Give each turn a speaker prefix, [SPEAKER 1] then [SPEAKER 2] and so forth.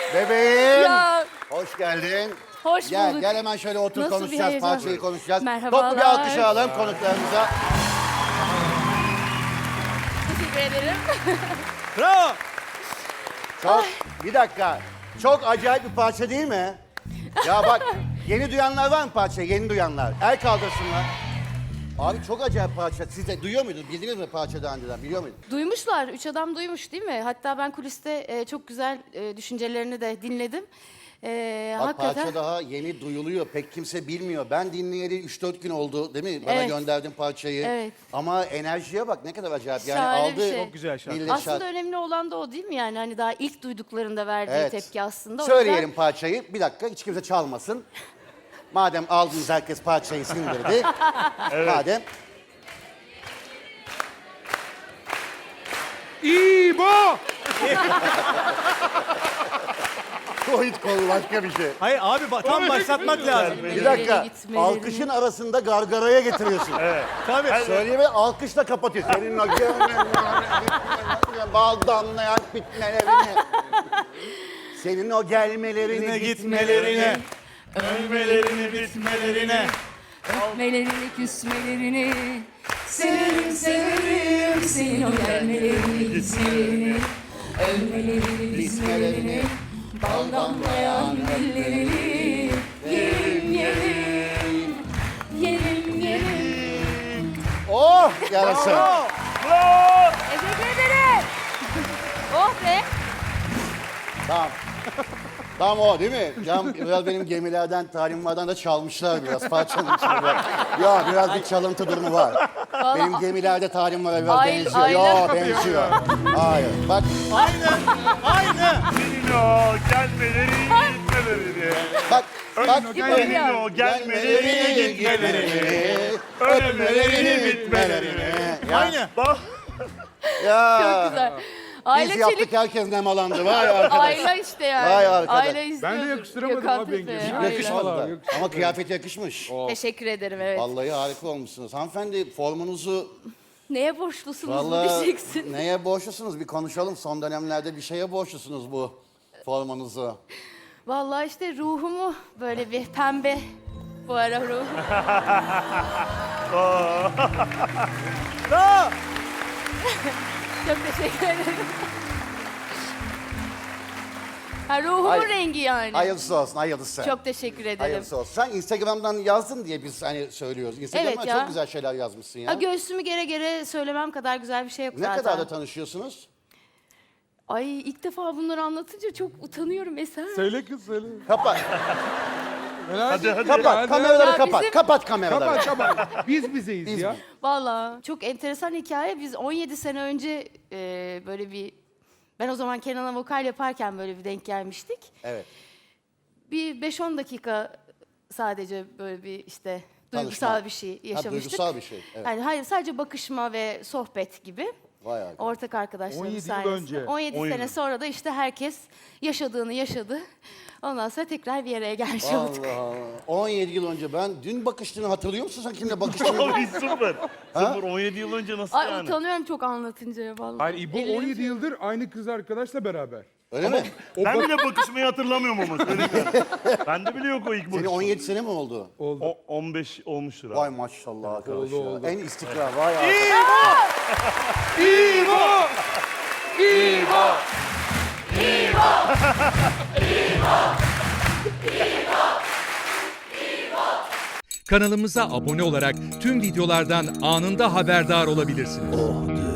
[SPEAKER 1] Bebeğim.
[SPEAKER 2] Ya.
[SPEAKER 1] Hoş geldin.
[SPEAKER 2] Hoş
[SPEAKER 1] Gel,
[SPEAKER 2] bulduk.
[SPEAKER 1] gel hemen şöyle otur
[SPEAKER 2] Nasıl bir
[SPEAKER 1] konuşacağız,
[SPEAKER 2] heyecan?
[SPEAKER 1] parçayı konuşacağız.
[SPEAKER 2] Merhabalar.
[SPEAKER 1] Toplu bir alkış alalım konuklarımıza.
[SPEAKER 2] Teşekkür ederim.
[SPEAKER 3] Bravo.
[SPEAKER 1] Çok, bir dakika. Çok acayip bir parça değil mi? Ya bak, yeni duyanlar var mı parçayı? Yeni duyanlar. El kaldırsınlar. Abi çok acayip parça. Siz de duyuyor muydunuz? Bildiniz mi parça daha önceden? Biliyor muydunuz?
[SPEAKER 2] Duymuşlar. 3 adam duymuş değil mi? Hatta ben kuliste çok güzel düşüncelerini de dinledim.
[SPEAKER 1] Bak
[SPEAKER 2] Hakikaten.
[SPEAKER 1] parça daha yeni duyuluyor. Pek kimse bilmiyor. Ben dinleyeli 3-4 gün oldu değil mi? Bana
[SPEAKER 2] Evet.
[SPEAKER 1] gönderdin parçayı.
[SPEAKER 2] Evet.
[SPEAKER 1] Ama enerjiye bak ne kadar acayip. Yani
[SPEAKER 2] Şahane bir
[SPEAKER 1] aldı.
[SPEAKER 2] şey.
[SPEAKER 3] Çok güzel şarkı.
[SPEAKER 1] millet
[SPEAKER 2] Aslında
[SPEAKER 1] şarkı.
[SPEAKER 2] önemli olan da o değil mi yani? Hani daha ilk duyduklarında verdiği
[SPEAKER 1] Evet.
[SPEAKER 2] tepki aslında. O
[SPEAKER 1] Söyleyelim
[SPEAKER 2] yüzden-
[SPEAKER 1] parçayı. Bir dakika hiç kimse çalmasın. Madem aldınız herkes parçayı sindirdi. Madem.
[SPEAKER 4] İbo!
[SPEAKER 1] Covid kolu başka bir şey.
[SPEAKER 3] Hayır abi tam başlatmak lazım.
[SPEAKER 1] Bir dakika.
[SPEAKER 2] Gitmelerini-
[SPEAKER 1] Alkışın arasında gargaraya getiriyorsun.
[SPEAKER 3] Tabii.
[SPEAKER 1] Söyleyeyim alkışla kapatıyorsun. Senin o bal damlayan bitmelerini. Senin o gelmelerini,
[SPEAKER 3] Gitmelerini, ölmelerini, bitmelerine.
[SPEAKER 2] Öpmelerini, küsmelerini. Severim, severim senin o gelmelerini, gitmelerini. Ölmelerini, bitmelerini. Bal damlayan güllerini. Yerim, yerim. Yerim, yerim.
[SPEAKER 1] Oh yarasın.
[SPEAKER 2] Teşekkür ederim. Oh be.
[SPEAKER 1] Tamam. Tamam o değil mi? Can, biraz benim gemilerden, talimlerden de çalmışlar biraz parçanın içinde. Ya biraz bir çalıntı durumu var. Benim gemilerde talimlere biraz
[SPEAKER 2] Aynen,
[SPEAKER 1] benziyor. Ya
[SPEAKER 2] aynen.
[SPEAKER 1] benziyor. Hayır. Bak
[SPEAKER 3] Aynı.
[SPEAKER 5] Senin o gelmeleri gitmeleri.
[SPEAKER 1] bak bak.
[SPEAKER 5] Senin o gelmeleri gitmeleri. Ölmelerini bitmelerini.
[SPEAKER 3] Aynı.
[SPEAKER 5] Bak
[SPEAKER 1] Ya.
[SPEAKER 2] Çok güzel. Aile
[SPEAKER 1] Biz yaptık
[SPEAKER 2] çelik.
[SPEAKER 1] herkes nemalandı. Vay arkadaş.
[SPEAKER 2] Aile işte yani.
[SPEAKER 1] Vay arkadaş.
[SPEAKER 2] Aile izliyorduk.
[SPEAKER 4] Ben de yakıştıramadım
[SPEAKER 2] Gökhan
[SPEAKER 4] abi
[SPEAKER 2] Tepe,
[SPEAKER 4] yengemi.
[SPEAKER 2] aile.
[SPEAKER 1] Yakışmadı da.
[SPEAKER 4] Vallahi yakışmadı.
[SPEAKER 1] Ama kıyafet yakışmış.
[SPEAKER 2] Teşekkür ederim evet.
[SPEAKER 1] Vallahi harika olmuşsunuz. Hanımefendi formunuzu
[SPEAKER 2] Neye borçlusunuz
[SPEAKER 1] vallahi
[SPEAKER 2] diyeceksin.
[SPEAKER 1] neye borçlusunuz bir konuşalım. Son dönemlerde bir şeye borçlusunuz bu formunuzu.
[SPEAKER 2] Vallahi işte ruhumu böyle bir pembe bu ara ruhum.
[SPEAKER 3] Bravo.
[SPEAKER 2] Çok teşekkür ederim. Ha, ruhumun
[SPEAKER 1] Hayır.
[SPEAKER 2] rengi yani.
[SPEAKER 1] Hayırlısı olsun, hayırlısı.
[SPEAKER 2] Çok teşekkür ederim.
[SPEAKER 1] Hayırlısı olsun. Sen Instagram'dan yazdın diye biz hani söylüyoruz. Instagram'dan
[SPEAKER 2] Evet ya.
[SPEAKER 1] çok güzel şeyler yazmışsın ya.
[SPEAKER 2] Ha, göğsümü gere gere söylemem kadar güzel bir şey yok
[SPEAKER 1] Ne
[SPEAKER 2] zaten.
[SPEAKER 1] kadar da tanışıyorsunuz?
[SPEAKER 2] Ay ilk defa bunları anlatınca çok utanıyorum Eser.
[SPEAKER 4] Söyle kız söyle.
[SPEAKER 1] Kapat,
[SPEAKER 4] Hadi
[SPEAKER 1] kapat. Kameraları
[SPEAKER 2] Ya
[SPEAKER 1] kapat.
[SPEAKER 2] bizim-
[SPEAKER 1] Kapat kameraları.
[SPEAKER 4] Kapat. Biz bizeyiz
[SPEAKER 1] Biz
[SPEAKER 4] ya.
[SPEAKER 1] mi?
[SPEAKER 2] Vallahi çok enteresan hikaye. Biz 17 sene önce böyle bir... Ben o zaman Kenan'a vokal yaparken böyle bir denk gelmiştik.
[SPEAKER 1] Evet.
[SPEAKER 2] Bir 5-10 dakika sadece böyle bir işte duygusal
[SPEAKER 1] Tanışma.
[SPEAKER 2] bir şey
[SPEAKER 1] Ha,
[SPEAKER 2] yaşamıştık.
[SPEAKER 1] duygusal bir şey. Evet.
[SPEAKER 2] Yani hayır sadece bakışma ve sohbet gibi.
[SPEAKER 1] Vay arkadaş.
[SPEAKER 2] Ortak arkadaşlarımız
[SPEAKER 4] 17 yıl
[SPEAKER 2] sayesinde.
[SPEAKER 4] önce.
[SPEAKER 2] 17 sene sonra da işte herkes yaşadığını yaşadı. Ondan sonra tekrar bir araya gelmiş olduk.
[SPEAKER 1] Allah Allah. 17 yıl önce ben dün bakıştığını hatırlıyor musun sen kimle bakıştığını?
[SPEAKER 5] abi sıfır. Sıfır 17 yıl önce nasıl
[SPEAKER 2] Ay
[SPEAKER 5] yani?
[SPEAKER 2] utanıyorum çok anlatınca ya vallahi.
[SPEAKER 4] Hayır İbo
[SPEAKER 2] Ellerim
[SPEAKER 4] 17
[SPEAKER 2] şey-
[SPEAKER 4] yıldır aynı kız arkadaşla beraber.
[SPEAKER 1] Öyle mi?
[SPEAKER 5] Ben bile bakışmayı hatırlamıyorum ama söyleyeyim. Bende bile yok o ilk
[SPEAKER 1] Senin
[SPEAKER 5] bakış.
[SPEAKER 1] 17 sene mi oldu?
[SPEAKER 4] Oldu.
[SPEAKER 5] O 15 olmuştur abi.
[SPEAKER 1] Vay maşallah arkadaş
[SPEAKER 4] oldu,
[SPEAKER 1] ya.
[SPEAKER 4] oldu.
[SPEAKER 1] En istikrar vay arkadaş.
[SPEAKER 4] İbo! İbo!
[SPEAKER 6] Kanalımıza abone olarak tüm videolardan anında haberdar olabilirsiniz.